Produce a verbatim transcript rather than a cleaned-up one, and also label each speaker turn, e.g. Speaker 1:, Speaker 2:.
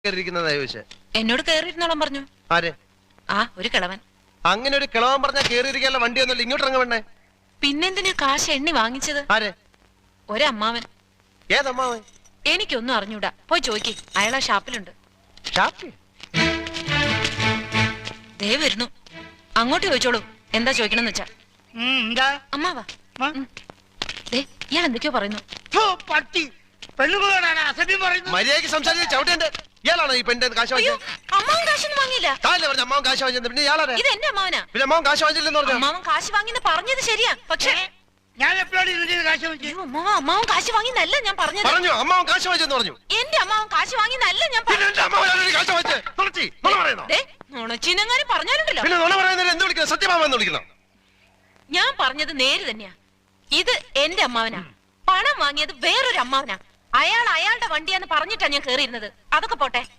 Speaker 1: എന്നോട് കേറിയിരുന്നോളം പറഞ്ഞു.
Speaker 2: ആരെ?
Speaker 1: ആ ഒരു കിളവൻ.
Speaker 2: അങ്ങനെ ഒരു കിളവൻ പറഞ്ഞാൽ കേറിയിരിക്കാനുള്ള വണ്ടിയൊന്നുമില്ല, ഇങ്ങോട്ട് ഇറങ്ങ വേണ്ടേ?
Speaker 1: പിന്നെന്തിനാ കാശ് എണ്ണി വാങ്ങിച്ചത്?
Speaker 2: ആരെ?
Speaker 1: ഒരമ്മാവൻ.
Speaker 2: ഏതമ്മാവൻ?
Speaker 1: എനിക്കൊന്നും അറിഞ്ഞൂടാ, പോയി ചോയ്ക്ക്, അയാളാ ഷാപ്പിലുണ്ട്. ദേ വരുന്നു, അങ്ങോട്ട് ചോദിച്ചോളൂ എന്താ ചോദിക്കണമെന്ന് വെച്ചാ. അമ്മാവാ, ഇയാൾ എന്തൊക്കെയോ പറയുന്നു.
Speaker 2: മര്യാദയ്ക്ക് സംസാരിച്ച് ചവിട്ടേണ്ട. ഇയാളാണോ ഈ പെണ്ണിന്റെ കാശ് വാങ്ങിച്ചത്?
Speaker 1: അമ്മാവൻ കാശൊന്നും വാങ്ങിയില്ല.
Speaker 2: താല്ലേ പറഞ്ഞ അമ്മാവൻ കാശ് വാങ്ങിച്ചത്? പിന്നെ ഇയാളാണ്.
Speaker 1: ഇത് എന്റെ അമ്മാവനാ.
Speaker 2: പിന്നെ അമ്മാവൻ കാശ് വാങ്ങിച്ചില്ലെന്ന് പറഞ്ഞു.
Speaker 1: അമ്മാവൻ കാശ് വാങ്ങിന്ന് പറഞ്ഞത് ശരിയാ, പക്ഷേ
Speaker 3: ഞാൻ എപ്പോഴാണ് കാശ് വാങ്ങിച്ചത്?
Speaker 1: അമ്മാവൻ കാശ് വാങ്ങിന്നല്ല ഞാൻ പറഞ്ഞത്.
Speaker 2: പറഞ്ഞു അമ്മാവൻ കാശ് വാങ്ങിച്ചെന്ന് പറഞ്ഞു.
Speaker 1: എന്റെ അമ്മാവൻ കാശ് വാങ്ങിന്നല്ല ഞാൻ നുണച്ചിനെങ്ങാനും പറഞ്ഞാലുണ്ടല്ലോ.
Speaker 2: പിന്നെ നുണ പറയുന്നതിന് എന്ത് വിളിക്കണം? സത്യമാമെന്ന് വിളിക്കണം.
Speaker 1: ഞാൻ പറഞ്ഞത് നേര് തന്നെയാ. ഇത് എന്റെ അമ്മാവനാ. പണം വാങ്ങിയത് വേറൊരു അമ്മാവനാ. അയാൾ അയാളുടെ വണ്ടിയാന്ന് പറഞ്ഞിട്ടാ ഞാൻ കേറിയിരുന്നത്. അതൊക്കെ പോട്ടെ,